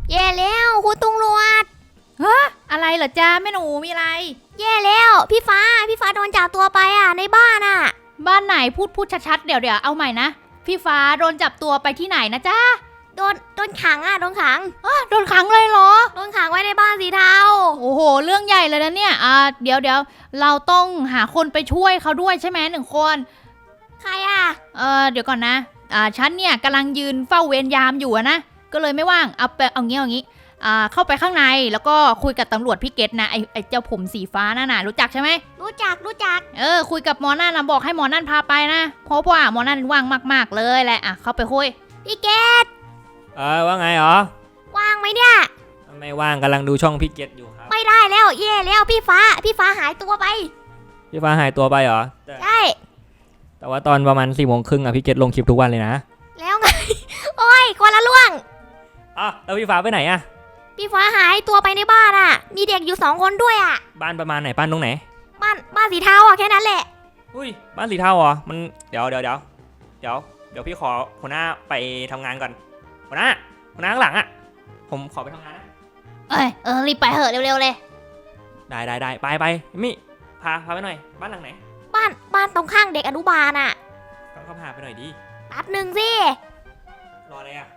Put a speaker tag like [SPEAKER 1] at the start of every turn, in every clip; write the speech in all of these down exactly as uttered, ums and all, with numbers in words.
[SPEAKER 1] แย่แล้วคุณตำรวจ
[SPEAKER 2] เฮ้ออะไรเหรอจ้าแม่หนูมีอะไร
[SPEAKER 1] แย่แล้วพี่ฟ้าพี่ฟ้าโดนจับตัวไปอ่ะในบ้านอ่ะ
[SPEAKER 2] บ้านไหนพูดพูดชัดๆเดี๋ยวเดี๋ยวเอาใหม่นะพี่ฟ้าโดนจับตัวไปที่ไหนนะจ้า
[SPEAKER 1] โดนโดนขังอ่ะโดนขัง
[SPEAKER 2] อ๋อโดนขังเลยเหรอ
[SPEAKER 1] โดนขังไว้ในบ้านสีเทา
[SPEAKER 2] โอ้โหเรื่องใหญ่เลยนะเนี่ยอ่าเดี๋ยวเดี๋ยวเราต้องหาคนไปช่วยเขาด้วยใช่ไหมหนึ่งคน
[SPEAKER 1] ใครอ่ะ
[SPEAKER 2] เออเดี๋ยวก่อนนะอ่าฉันเนี่ยกำลังยืนเฝ้าเวรยามอยู่นะก็เลยไม่ว่างเอาไปเอางี้เอางี้อ่าเข้าไปข้างในแล้วก็คุยกับตำรวจพี่เกตนะไอไอเจ้าผมสีฟ้านั่นน่ะรู้จักใช่ไหม
[SPEAKER 1] รู้จักรู้จัก
[SPEAKER 2] เออคุยกับหมอนั่นนะบอกให้หมอนั่นพาไปนะเพราะว่าหมอนั่นว่างมากๆเลยแหละอ่ะเข้าไปคุย
[SPEAKER 1] พี่เกต
[SPEAKER 3] เออว่าไงหรอ
[SPEAKER 1] ว่างไหมเนี่ย
[SPEAKER 3] ไม่ว่างกำลังดูช่องพี่เกตอยู่ครับ
[SPEAKER 1] ไม่ได้แล้วแย่แล้วพี่ฟ้าพี่ฟ้าหายตัวไป
[SPEAKER 3] พี่ฟ้าหายตัวไปเหรอ
[SPEAKER 1] ใช่
[SPEAKER 3] แต่ว่าตอนประมาณสี่โมงครึ่งอะพี่เกตลงคลิปทุกวันเลยนะ
[SPEAKER 1] แล้วไงโอ้ยคนละล่วง
[SPEAKER 3] อ๋อแล้วพี่ฟ้าไปไหนอะ
[SPEAKER 1] พี่ฟ้าหายตัวไปในบ้านอะมีเด็กอยู่สองคนด้วยอะ
[SPEAKER 3] บ้านประมาณไหนบ้านตรงไหน
[SPEAKER 1] บ้านบ้านสีเทาอะแค่นั้นแหละ
[SPEAKER 3] อุ้ยบ้านสีเทาเหรอมันเดี๋ยวเดี๋ยวเดี๋ยวเดี๋ยวเดี๋ยวพี่ขอหัวหน้าไปทำงานก่อนหัวหน้าหัวหน้าข้างหลังอะผมขอไปทำงานนะ
[SPEAKER 2] เอ้ยเออรีบไปเหอะเร็วๆเลย
[SPEAKER 3] ได้ได้ได้ไปไปมิพาพาไปหน่อยบ้านหลังไหน
[SPEAKER 1] บ้านบ้านตรงข้างเด็กอนุบาลอะ
[SPEAKER 3] ต้องเข้าพาไปหน่อยดิ
[SPEAKER 1] แป๊บหนึ่งสิ
[SPEAKER 3] รออะไรอะ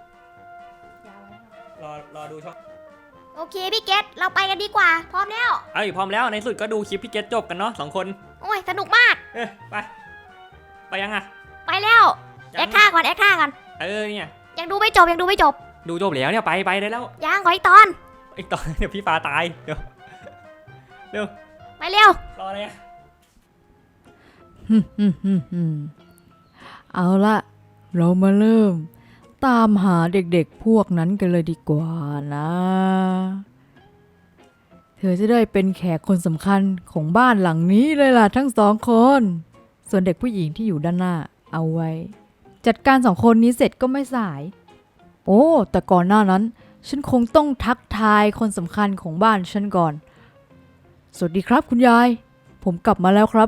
[SPEAKER 3] รอรอดูช่อง
[SPEAKER 1] โอเคพี่เกตเราไปกันดีกว่าพร้อมแล้ว
[SPEAKER 3] เอ้ยพร้อมแล้วในสุดก็ดูคลิปพี่เกตจบกันเนาะสองคน
[SPEAKER 1] โอ้ยสนุกมาก
[SPEAKER 3] เออไปไปยังอะ
[SPEAKER 1] ไปแล้วแอคท่าก่อนแอคท่าก่อน
[SPEAKER 3] เออเนี่ย
[SPEAKER 1] ยังดูไม่จบยังดูไม่จบ
[SPEAKER 3] ดูจบแล้วเนี่ยไปไปได้แล้ว
[SPEAKER 1] ยังขออีกตอน
[SPEAKER 3] อีกตอนเดี๋ยวพี่ฟ้าตายเดี๋ยวเร็ว
[SPEAKER 1] ไปเร็ว
[SPEAKER 3] รออะไรอะ
[SPEAKER 4] เอาละเรามาเริ่มตามหาเด็กๆพวกนั้นกันเลยดีกว่านะเธอจะได้เป็นแขกคนสำคัญของบ้านหลังนี้เลยล่ะทั้งสองคนส่วนเด็กผู้หญิงที่อยู่ด้านหน้าเอาไว้จัดการสองคนนี้เสร็จก็ไม่สายโอ้แต่ก่อนหน้านั้นฉันคงต้องทักทายคนสำคัญของบ้านฉันก่อนสวัสดีครับคุณยายผมกลับมาแล้วครับ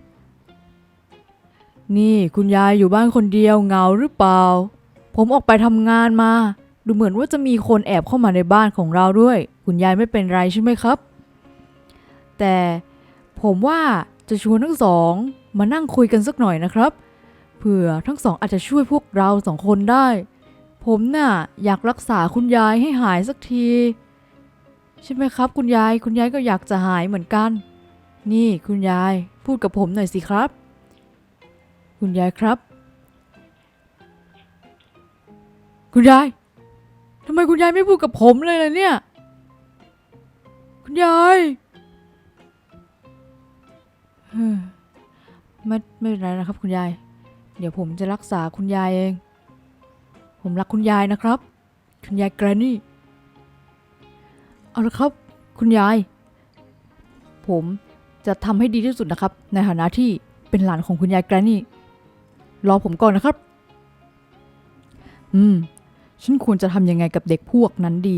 [SPEAKER 4] นี่คุณยายอยู่บ้านคนเดียวเหงาหรือเปล่าผมออกไปทำงานมาดูเหมือนว่าจะมีคนแอบเข้ามาในบ้านของเราด้วยคุณยายไม่เป็นไรใช่ไหมครับแต่ผมว่าจะชวนทั้งสองมานั่งคุยกันสักหน่อยนะครับเผื่อทั้งสองอาจจะช่วยพวกเราสองคนได้ผมน่ะอยากรักษาคุณยายให้หายสักทีใช่ไหมครับคุณยายคุณยายก็อยากจะหายเหมือนกันนี่คุณยายพูดกับผมหน่อยสิครับคุณยายครับคุณยายทำไมคุณยายไม่พูดกับผมเลยล่ะเนี่ยคุณยายไม่ไม่เป็นไรนะครับคุณยายเดี๋ยวผมจะรักษาคุณยายเองผมรักคุณยายนะครับคุณยายแกรนนี่เอาละครับคุณยายผมจะทำให้ดีที่สุดนะครับในฐานะที่เป็นหลานของคุณยายแกรนนี่รอผมก่อนนะครับอืมฉันควรจะทำยังไงกับเด็กพวกนั้นดี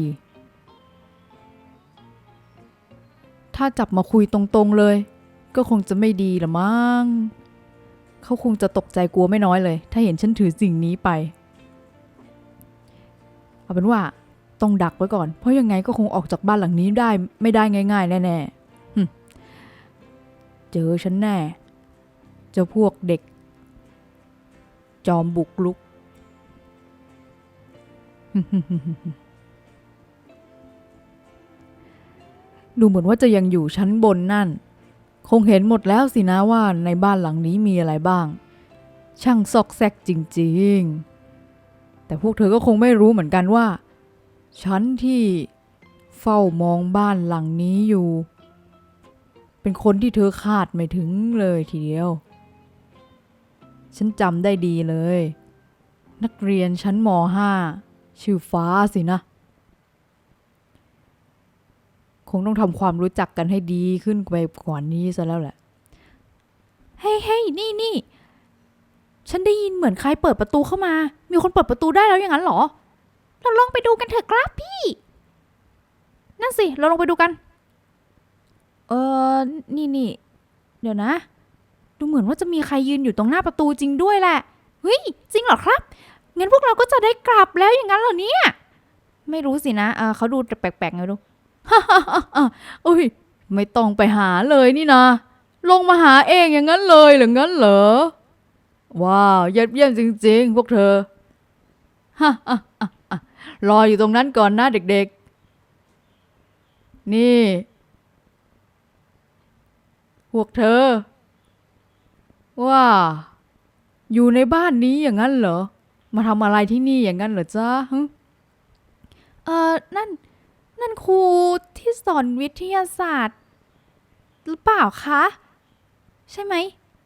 [SPEAKER 4] ถ้าจับมาคุยตรงๆเลยก็คงจะไม่ดีละมั้งเขาคงจะตกใจกลัวไม่น้อยเลยถ้าเห็นฉันถือสิ่งนี้ไปเอาเป็นว่าต้องดักไว้ก่อนเพราะยังไงก็คงออกจากบ้านหลังนี้ได้ไม่ได้ง่ายๆแน่ๆเจอฉันแน่เจ้าพวกเด็กจอมบุกรุกดูเหมือนว่าจะยังอยู่ชั้นบนนั่นคงเห็นหมดแล้วสินะว่าในบ้านหลังนี้มีอะไรบ้างช่างซอกแซกจริงๆแต่พวกเธอก็คงไม่รู้เหมือนกันว่าฉันที่เฝ้ามองบ้านหลังนี้อยู่เป็นคนที่เธอคาดไม่ถึงเลยทีเดียวฉันจำได้ดีเลยนักเรียนชั้นม.ห้า ชื่อฟ้าสินะคงต้องทำความรู้จักกันให้ดีขึ้นไปกว่านี้ซะแล้วแหละเฮ้ยเฮ้ยนี่นี่ฉันได้ยินเหมือนใครเปิดประตูเข้ามามีคนเปิดประตูได้แล้วอย่างนั้นเหรอเราลองไปดูกันเถอะครับพี่นั่นสิเราลองไปดูกันเออนี่นี่เดี๋ยวนะดูเหมือนว่าจะมีใครยืนอยู่ตรงหน้าประตูจริงด้วยแหละเฮ้ยจริงเหรอครับงั้นพวกเราก็จะได้กลับแล้วอย่างนั้นเหรอเนี่ย
[SPEAKER 2] ไม่รู้สินะเออเขาดูแปลกๆไงไม่รู้
[SPEAKER 4] อุ้ยไม่ต้องไปหาเลยนี่นะลงมาหาเองอย่างนั้นเลยหรืองั้นเหรอว้าวยอดเยี่ยมจริงๆพวกเธอฮ่าฮ่าฮ่าฮ่ารออยู่ตรงนั้นก่อนนะเด็กๆนี่พวกเธอว่าอยู่ในบ้านนี้อย่างนั้นเหรอมาทำอะไรที่นี่อย่างนั้นเหรอจ๊ะฮึ
[SPEAKER 2] เออนั่นนั่นครูที่สอนวิทยาศาสตร์หรือเปล่าคะใช่ไหม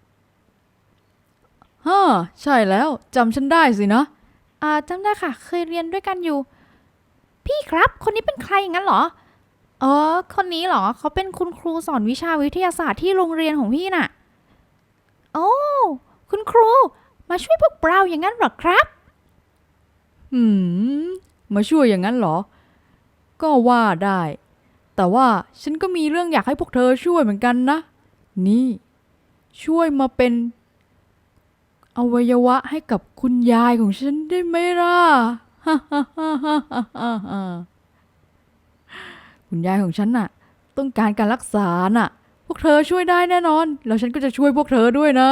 [SPEAKER 4] ฮ่าใช่แล้วจำฉันได้สินะ
[SPEAKER 2] อ่าจำได้ค่ะ เคยเรียนด้วยกันอยู่ พี่ครับคนนี้เป็นใครอย่างนั้นเหรอเออคนนี้เหรอเขาเป็นคุณครูสอนวิชาวิทยาศาสตร์ที่โรงเรียนของพี่น่ะโอ้คุณครูมาช่วยพวกเราอย่างนั้นเหรอครับ
[SPEAKER 4] หืมมาช่วยอย่างนั้นเหรอ ก็ว่าได้ แต่ว่าฉันก็มีเรื่องอยากให้พวกเธอช่วยเหมือนกันนะ นี่ ช่วยมาเป็นอวัยวะให้กับคุณยายของฉันได้ไหมล่ะ คุณยายของฉันน่ะ ต้องการการรักษาน่ะ พวกเธอช่วยได้แน่นอน แล้วฉันก็จะช่วยพวกเธอด้วยนะ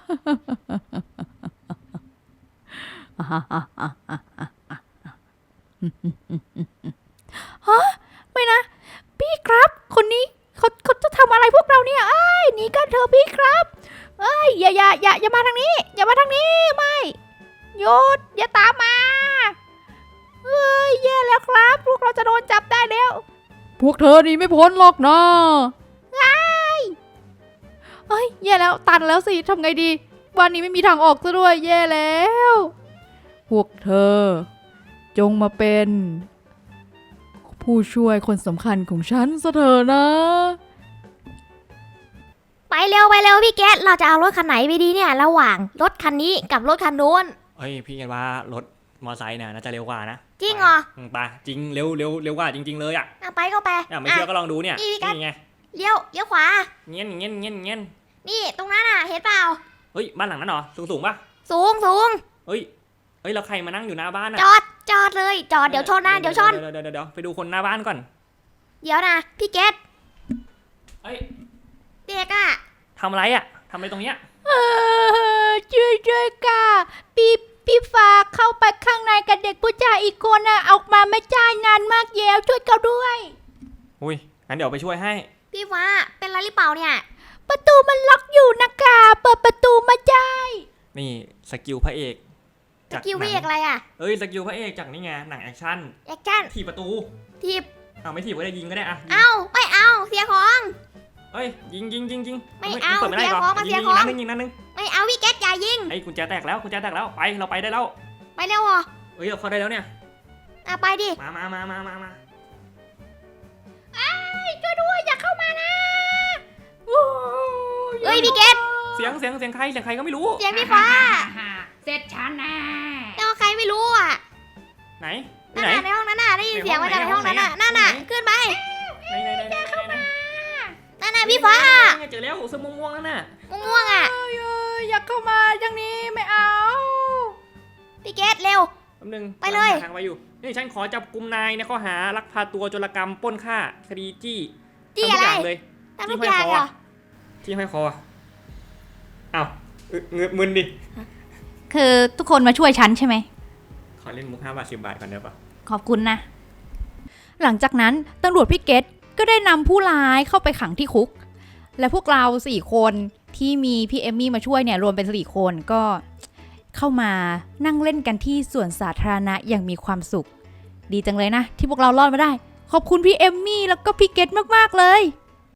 [SPEAKER 2] ไม่นะ พี่ครับ คนนี้เขาเขาจะทำอะไรพวกเราเนี่ยเอ้ยหนีกันเถอะพี่ครับเอ้ยอย่าอย่าอย่าอย่ามาทางนี้ อย่ามาทางนี้ไม่หยุดอย่าตามมาเอ้ยแย่แล้วครับ พวกเราจะโดนจับได้แล้ว
[SPEAKER 4] พวกเธอหนีไม่พ้นหรอกนะ
[SPEAKER 2] เอ้ยแย่แล้วตันแล้วสิทำไงดีวันนี้ไม่มีทางออกซะด้วยแย่แล้ว
[SPEAKER 4] พวกเธอ จงมาเป็น ผู้ช่วยคนสำคัญของฉันซะเถอะนะ
[SPEAKER 1] ไปเร็วไปเร็วพี่เกดเราจะเอารถคันไหนไปดีเนี่ย ระหว่างรถคันนี้กับรถคันนู้น
[SPEAKER 3] เฮ้ยพี่คิดว่ารถมอไซค์เนี่ยน่าจะเร็วกว่านะ
[SPEAKER 1] จริงเหรอ
[SPEAKER 3] อืมไปจริงเร็วเร็วเร็วกว่าจริง ๆเลยอ่ะ
[SPEAKER 1] อ่ะไปก็ไป
[SPEAKER 3] อ่ะไม่เชื่อก็ลองดูเนี่ย
[SPEAKER 1] นี่พี่กัด
[SPEAKER 3] นี่ไง
[SPEAKER 1] เลี้ยวเลี้ยวขวา
[SPEAKER 3] เงี้ยเงี้ยเงี้ยเงี้ย
[SPEAKER 1] นี่ตรงนั้นอ่ะเห็นเปล่า
[SPEAKER 3] เฮ้ยบ้านหลังนั้นเหรอสูงสูงๆป่ะ
[SPEAKER 1] สูงสูง
[SPEAKER 3] เฮ้ยเฮ้ยแล้วใครมานั่งอยู่หน้าบ้านอ่ะ
[SPEAKER 1] จอดจอดเลยจอดเดี๋ยวชนนะเดี๋ยวชน
[SPEAKER 3] เดี๋ยวเดี๋ยวเดี๋ยวไปดูคนหน้าบ้านก่อน
[SPEAKER 1] เดี๋ยวนะพี่เกด
[SPEAKER 3] เฮ้ย
[SPEAKER 1] เด็กอ่ะ
[SPEAKER 3] ทำอะไรอ่ะทำอะไรตรงเนี้ย
[SPEAKER 2] เออช่วยช่วยค่ะพี่พี่ฟ้าเข้าไปข้างในกับเด็กผู้ชายอีกคนน่ะออกมาไม่ได้นานมากแยวช่วยเขาด้วย
[SPEAKER 3] อุ้ยงั้นเดี๋ยวไปช่วยให้
[SPEAKER 1] พี่ฟ้าเป็นอะไรหรือเปล่าเนี่ย
[SPEAKER 2] ประตูมันล็อกอยู่นะคะเปิดประตูมาได้
[SPEAKER 3] นี่สกิลพระเอก
[SPEAKER 1] สกิลพี่เอกอะไรอ่ะ
[SPEAKER 3] เอ้ยสกิลพระเอกจากนี่ไงหนังแอคชั่น
[SPEAKER 1] แอคชั่น
[SPEAKER 3] ถีบประตู
[SPEAKER 1] ทีบ
[SPEAKER 3] เอาไม่ถีบก็ได้ยิงก็ได้อะยิง
[SPEAKER 1] เอาไม่เอาเสียของ
[SPEAKER 3] เอ้ยยิงยิงยิงยิง
[SPEAKER 1] ไม่
[SPEAKER 3] ฮ้ย
[SPEAKER 1] เอา
[SPEAKER 3] นปิดไม่ได้
[SPEAKER 1] เสีย
[SPEAKER 3] หร
[SPEAKER 1] ของมา
[SPEAKER 3] ยิ
[SPEAKER 1] เสีย
[SPEAKER 3] ง
[SPEAKER 1] ของ
[SPEAKER 3] นัดนึงยิงนัดนึง
[SPEAKER 1] ไม่เอาพี่เกดอย่ายิง
[SPEAKER 3] ไอ้กุญแจแตกแล้วกุญแจแตกแล้วไปเราไปได้แล้ว
[SPEAKER 1] ไปเร็วเหรอ
[SPEAKER 3] เอ้ยเราเข้าได้แล้วเนี่ย
[SPEAKER 1] อ่ะไปดิ
[SPEAKER 3] มามามามามามา
[SPEAKER 2] ช่วยด้วยอย่าเข้ามานะ
[SPEAKER 1] เอ้ยพี่เกด
[SPEAKER 3] เสียงเสียงเสียงใครเสียงใครก็ไม่รู้
[SPEAKER 1] เสียงพี่ฟ้า
[SPEAKER 2] เสร็จฉันนะ
[SPEAKER 1] แต่ว่าใครไม่รู้อ่ะ
[SPEAKER 3] ไหนไป
[SPEAKER 1] นั่น
[SPEAKER 3] ไหน
[SPEAKER 1] น่ะในห้องนั้นน่ะได้ยิน
[SPEAKER 3] ใน
[SPEAKER 1] เสียง
[SPEAKER 3] ห้อ
[SPEAKER 1] มาง จากในห้องนั้นน่ะ
[SPEAKER 3] ไหน
[SPEAKER 1] นั่นน่ะ
[SPEAKER 3] ไหน
[SPEAKER 1] ขึ้นไป
[SPEAKER 3] ไหนไหนไหนไหนเข้ามา
[SPEAKER 1] นั่นน่ะพี่ฟ้า
[SPEAKER 3] เจอแล้วเสื้อม่วงๆนั่นน่ะ
[SPEAKER 1] ม่วงๆอ่ะ
[SPEAKER 2] เอ้ยเอ้ยอย่าเข้ามาอย่างนี้ไม่เอา
[SPEAKER 1] พี่เกดเร็ว
[SPEAKER 3] แป๊บนึง
[SPEAKER 1] ไปเลย
[SPEAKER 3] หาทางไปอยู่นี่ฉันขอจับกุมนายในข้อหาลักพาตัวโจรกรรมปล้นฆ่าคดีจี้
[SPEAKER 1] จี้
[SPEAKER 3] ทำทุ
[SPEAKER 1] อะ
[SPEAKER 3] ก
[SPEAKER 1] ไร
[SPEAKER 3] อย่างเลย
[SPEAKER 1] ทำทุกอย่างเหรอ
[SPEAKER 3] ที่ให้คออ้าวอึเงืมึนดิ
[SPEAKER 2] คือทุกคนมาช่วยฉันใช่ไหม
[SPEAKER 3] ขอเล่นมุกห้าบาทสิบบาทก่อนได้ปะ
[SPEAKER 2] ขอบคุณนะ หลังจากนั้นตำรวจพี่เกตก็ได้นำผู้ร้ายเข้าไปขังที่คุก และพวกเราสี่คนที่มีพี่เอมมี่มาช่วยเนี่ยรวมเป็นสี่คนก็เข้ามานั่งเล่นกันที่สวนสาธารณะอย่างมีความสุข ดีจังเลยนะ ที่พวกเรารอดมาได้ ขอบคุณพี่เอมมี่แล้วก็พี่เกตมากๆเลย